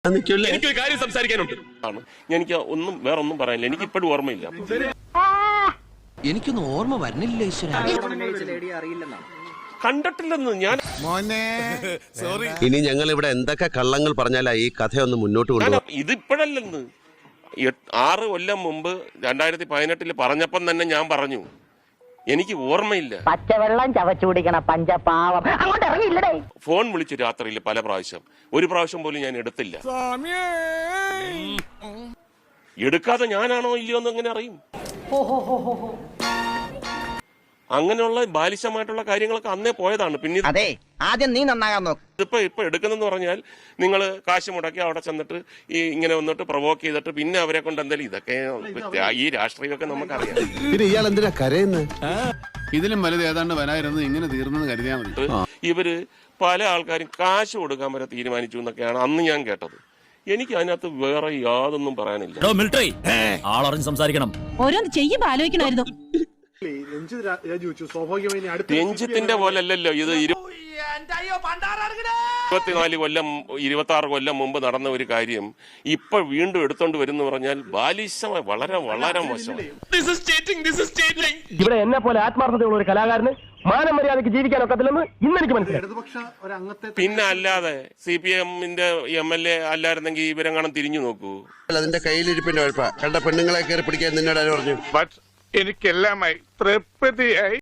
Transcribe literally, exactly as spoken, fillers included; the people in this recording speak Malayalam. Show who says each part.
Speaker 1: എനിക്കൊരു കാര്യം സംസാരിക്കാനുണ്ട്. എനിക്ക് ഒന്നും വേറെ ഒന്നും പറയാനില്ല. എനിക്ക് ഇപ്പോഴും ഓർമ്മയില്ല.
Speaker 2: എനിക്കൊന്നും ഓർമ്മ വരുന്നില്ല.
Speaker 1: കണ്ടിട്ടില്ലെന്ന് ഞാൻ.
Speaker 3: ഇനി ഞങ്ങൾ ഇവിടെ എന്തൊക്കെ കള്ളങ്ങൾ പറഞ്ഞാലാ ഈ കഥയൊന്ന് മുന്നോട്ട് കൊണ്ടുപോകും.
Speaker 1: ഇതിപ്പോഴല്ലെന്ന് ആറ് കൊല്ലം മുമ്പ് രണ്ടായിരത്തി പതിനെട്ടില് പറഞ്ഞപ്പം തന്നെ ഞാൻ പറഞ്ഞു എനിക്ക് ഓർമ്മയില്ല.
Speaker 4: പച്ചവെള്ളം ചവച്ചു കുടിക്കണ പഞ്ചപാവം അങ്ങോട്ട് ഇറങ്ങിയില്ലടേ.
Speaker 1: ഫോൺ വിളിച്ചു രാത്രിയിൽ പല പ്രാവശ്യം. ഒരു പ്രാവശ്യം പോലും ഞാൻ എടുത്തില്ല. എടുക്കാതെ ഞാനാണോ ഇല്ലയോ എന്ന് എങ്ങനെ അറിയും? അങ്ങനെയുള്ള ബാലിശമായിട്ടുള്ള കാര്യങ്ങളൊക്കെ അന്നേ പോയതാണ്. പിന്നെ
Speaker 4: അതെ, ആദ്യം നീ നന്നാകാൻ നോക്ക്.
Speaker 1: ഇതിപ്പോ ഇപ്പൊ എടുക്കുന്നെന്ന് പറഞ്ഞാൽ നിങ്ങൾ കാശ് മുടക്കി അവിടെ ചെന്നിട്ട് ഈ ഇങ്ങനെ വന്നിട്ട് പ്രൊവോക്ക് ചെയ്തിട്ട് പിന്നെ അവരെ കൊണ്ട് എന്തായാലും ഇതൊക്കെ ഈ രാഷ്ട്രീയമൊക്കെ നമുക്കറിയാം.
Speaker 3: പിന്നെ ഇയാൾ എന്തിനാ കരയുന്നത്?
Speaker 5: ഇതിലും വലുത് ഏതാണ്ട് വരായിരുന്നു, ഇങ്ങനെ തീർന്നെന്ന് കരുതിയാൽ മതി.
Speaker 1: ഇവര് പല ആൾക്കാരും കാശ് കൊടുക്കാൻ വരെ തീരുമാനിച്ചു എന്നൊക്കെയാണ് അന്ന് ഞാൻ കേട്ടത്. എനിക്ക് അതിനകത്ത് വേറെ യാതൊന്നും പറയാനില്ല.
Speaker 2: ആളറിഞ്ഞ് സംസാരിക്കണം.
Speaker 6: ഓരോന്ന് ചെയ്യുമ്പോ ആലോചിക്കണമായിരുന്നു.
Speaker 1: രഞ്ജിത്തിന്റെ പോലല്ലല്ലോ ഇത്. ഇരുപത്തിനാല് കൊല്ലം ഇരുപത്തി ആറ് കൊല്ലം മുമ്പ് നടന്ന ഒരു കാര്യം ഇപ്പൊ വീണ്ടും എടുത്തോണ്ട് വരുന്ന പറഞ്ഞാൽ ബാലിശമായി വളരെ വളരെ മോശമാണ്.
Speaker 7: ഇവിടെ എന്നെ പോലെ ആത്മാർത്ഥതയുള്ള ഒരു കലാകാരന് മാനം മര്യാദയ്ക്ക് ജീവിക്കാൻ ഒക്കത്തില്ലെന്ന് ഇന്നെനിക്ക് മനസ്സിലായി.
Speaker 1: പിന്നെ അല്ലാതെ സി പി എമ്മിന്റെ എം എൽ എ അല്ലായിരുന്നെങ്കിൽ ഇവരെങ്ങാനും തിരിഞ്ഞു നോക്കൂ.
Speaker 3: അതിന്റെ കയ്യിലിരിപ്പിന്റെ കുഴപ്പ കണ്ട പെണ്ണുങ്ങളെ കയറി പിടിക്കാൻ നിന്നോട് ആര് പറഞ്ഞു?
Speaker 8: എനിക്കെല്ലാമായി തൃപ്തിയായി.